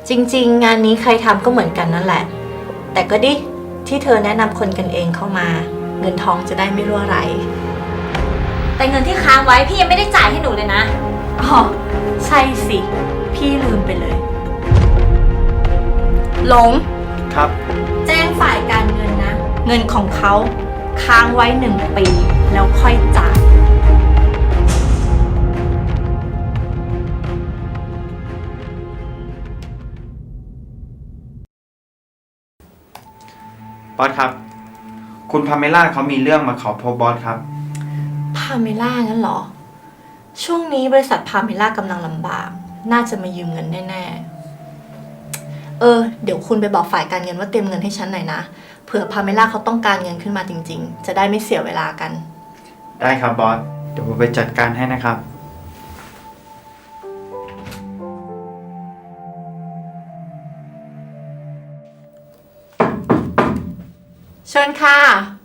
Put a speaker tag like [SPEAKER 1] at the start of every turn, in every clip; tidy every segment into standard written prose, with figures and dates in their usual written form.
[SPEAKER 1] จริงๆงานนี้ใครทำก็เหมือนกันนั่นแหละแต่ก็ดิที่เธอแนะนำคนกันเองเข้ามาเงินทองจะได้ไม่รั่วไหล
[SPEAKER 2] แต่เงินที่ค้างไว้พี่ยังไม่ได้จ่ายให้หนูเลยนะ
[SPEAKER 1] อ๋อใช่สิพี่ลืมไปเลยหลง
[SPEAKER 3] ครับ
[SPEAKER 1] แจ้งฝ่ายการเงินนะเงินของเขาค้างไว้1 ปีแล้วค่อยจ่าย
[SPEAKER 3] บอสครับคุณพาเมล่าเขามีเรื่องมาขอพบบอสครับ
[SPEAKER 1] พาเมล่างั้นเหรอช่วงนี้บริษัทพาเมล่ากำลังลำบากน่าจะมายืมเงินแน่ๆเดี๋ยวคุณไปบอกฝ่ายการเงินว่าเตรียมเงินให้ฉันหน่อยนะเผื่อพาเมล่าเขาต้องการเงินขึ้นมาจริงๆจะได้ไม่เสียเวลากัน
[SPEAKER 3] ได้ครับบอสเดี๋ยวผมไปจัดการให้นะครับ
[SPEAKER 1] เชิญค่ะ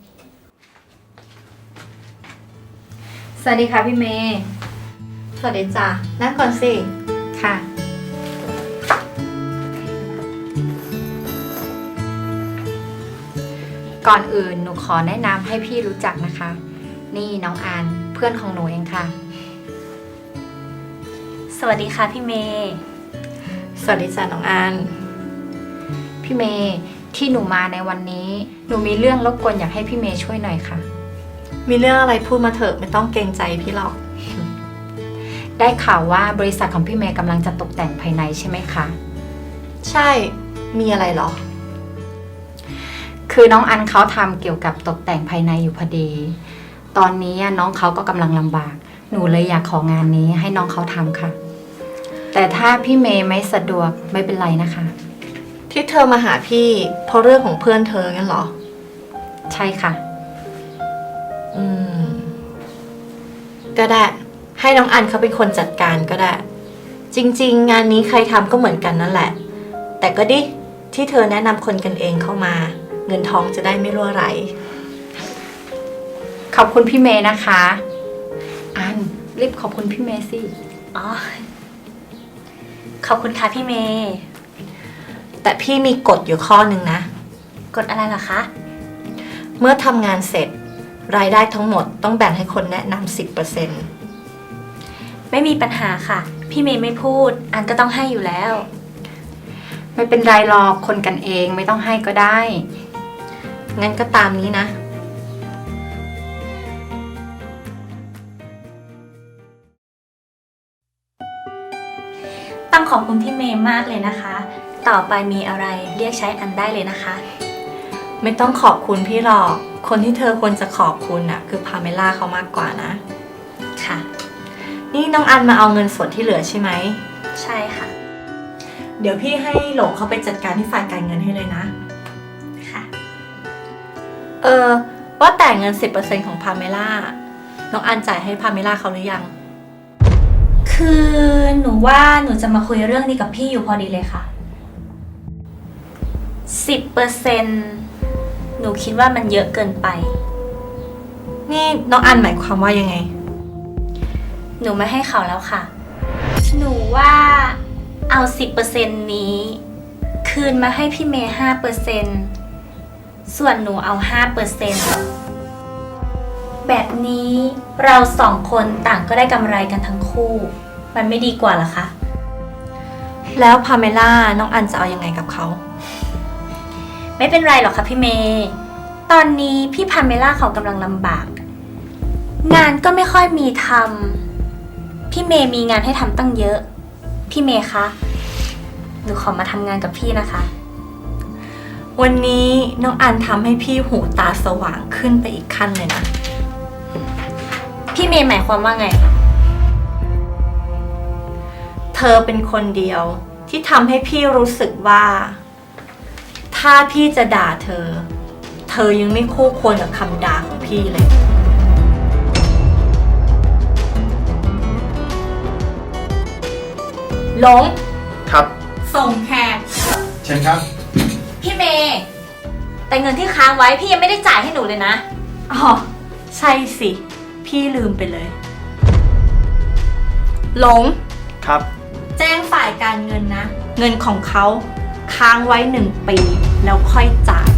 [SPEAKER 2] สวัสดีค่ะพี่เมย์
[SPEAKER 1] สวัสดีจ้ะนั่งก่อนสิ
[SPEAKER 2] ค่ะก่อนอื่นหนูขอแนะนำให้พี่รู้จักนะคะนี่น้องอันเพื่อนของหนูเองค่ะสวัสดีค่ะพี่เมย์
[SPEAKER 1] สวัสดีจ้ะน้องอัน
[SPEAKER 2] พี่เมย์ที่หนูมาในวันนี้หนูมีเรื่องรบกวนอยากให้พี่เมย์ช่วยหน่อยค่ะ
[SPEAKER 1] มีเรื่องอะไรพูดมาเถอะไม่ต้องเกรงใจพี่หรอก
[SPEAKER 2] ได้ข่าวว่าบริษัทของพี่เมย์กำลังจะตกแต่งภายในใช่ไหมคะ
[SPEAKER 1] ใช่มีอะไรหรอ
[SPEAKER 2] คือน้องอันเขาทำเกี่ยวกับตกแต่งภายในอยู่พอดีตอนนี้น้องเขาก็กำลังลำบากหนูเลยอยากของานนี้ให้น้องเขาทำค่ะแต่ถ้าพี่เมย์ไม่สะดวกไม่เป็นไรนะคะ
[SPEAKER 1] ที่เธอมาหาพี่เพราะเรื่องของเพื่อนเธองั้นเหรอ
[SPEAKER 2] ใช่ค่ะ
[SPEAKER 1] ก็ได้ให้น้องอันเขาเป็นคนจัดการก็ได้จริงๆงานนี้ใครทำก็เหมือนกันนั่นแหละแต่ก็ดิที่เธอแนะนำคนกันเองเข้ามาเงินทองจะได้ไม่รั่วไหล
[SPEAKER 2] ขอบคุณพี่เมย์นะคะอันรีบขอบคุณพี่เมย์สิ
[SPEAKER 1] อ๋อขอบคุณค่ะพี่เมย์แต่พี่มีกฎอยู่ข้อหนึ่งนะ
[SPEAKER 2] กฎอะไรล่ะคะ
[SPEAKER 1] เมื่อทำงานเสร็จรายได้ทั้งหมดต้องแบ่งให้คนแนะนำ10%
[SPEAKER 2] ไม่มีปัญหาค่ะพี่เมย์ไม่พูดอันก็ต้องให้อยู่แล้วไม่เป็นไรหรอกคนกันเองไม่ต้องให้ก็ได้
[SPEAKER 1] งั้นก็ตามนี้นะ
[SPEAKER 2] ต้องขอบคุณพี่เมย์มากเลยนะคะต่อไปมีอะไรเรียกใช้อันได้เลยนะคะ
[SPEAKER 1] ไม่ต้องขอบคุณพี่หรอกคนที่เธอควรจะขอบคุณน่ะคือพาเมล่าเขามากกว่านะ
[SPEAKER 2] ค่ะ
[SPEAKER 1] นี่น้องอันมาเอาเงินส่วนที่เหลือใช่ไหม
[SPEAKER 2] ใช่ค่ะ
[SPEAKER 1] เดี๋ยวพี่ให้หลงเขาไปจัดการที่ฝ่ายการเงินให้เลยนะ
[SPEAKER 2] ค่ะ
[SPEAKER 1] ว่าแต่เงิน10%ของพาเมล่าน้องอันจ่ายให้พาเมล่าเขาหรือยัง
[SPEAKER 2] คือหนูว่าหนูจะมาคุยเรื่องนี้กับพี่อยู่พอดีเลยค่ะ10%หนูคิดว่ามันเยอะเกินไป
[SPEAKER 1] นี่น้องอันหมายความว่ายังไง
[SPEAKER 2] หนูไม่ให้เขาแล้วค่ะหนูว่าเอา 10% นี้คืนมาให้พี่เมย์ 5% ส่วนหนูเอา 5%แบบนี้เรา2 คนต่างก็ได้กำไรกันทั้งคู่มันไม่ดีกว่าหรอคะ
[SPEAKER 1] แล้วพาเมล่าน้องอันจะเอายังไงกับเขา
[SPEAKER 2] ไม่เป็นไรหรอกค่ะพี่เมย์ตอนนี้พี่พาเมล่าเขากำลังลำบากงานก็ไม่ค่อยมีทำพี่เมย์มีงานให้ทำตั้งเยอะพี่เมย์คะหนูขอมาทำงานกับพี่นะคะ
[SPEAKER 1] วันนี้น้องอันทำให้พี่หูตาสว่างขึ้นไปอีกขั้นเลยนะ
[SPEAKER 2] พี่เมย์หมายความว่าไง
[SPEAKER 1] เธอเป็นคนเดียวที่ทำให้พี่รู้สึกว่าถ้าพี่จะด่าเธอยังไม่คู่ควรกับคำด่าของพี่เลยหลง
[SPEAKER 3] ครับ
[SPEAKER 1] ส่งแขก
[SPEAKER 3] เชิญครับ
[SPEAKER 2] พี่เมย์แต่เงินที่ค้างไว้พี่ยังไม่ได้จ่ายให้หนูเลยนะ
[SPEAKER 1] อ๋อใช่สิพี่ลืมไปเลยหลง
[SPEAKER 3] ครับ
[SPEAKER 1] แจ้งฝ่ายการเงินนะเงินของเขาค้างไว้1 ปีแล้วค่อยจ่าย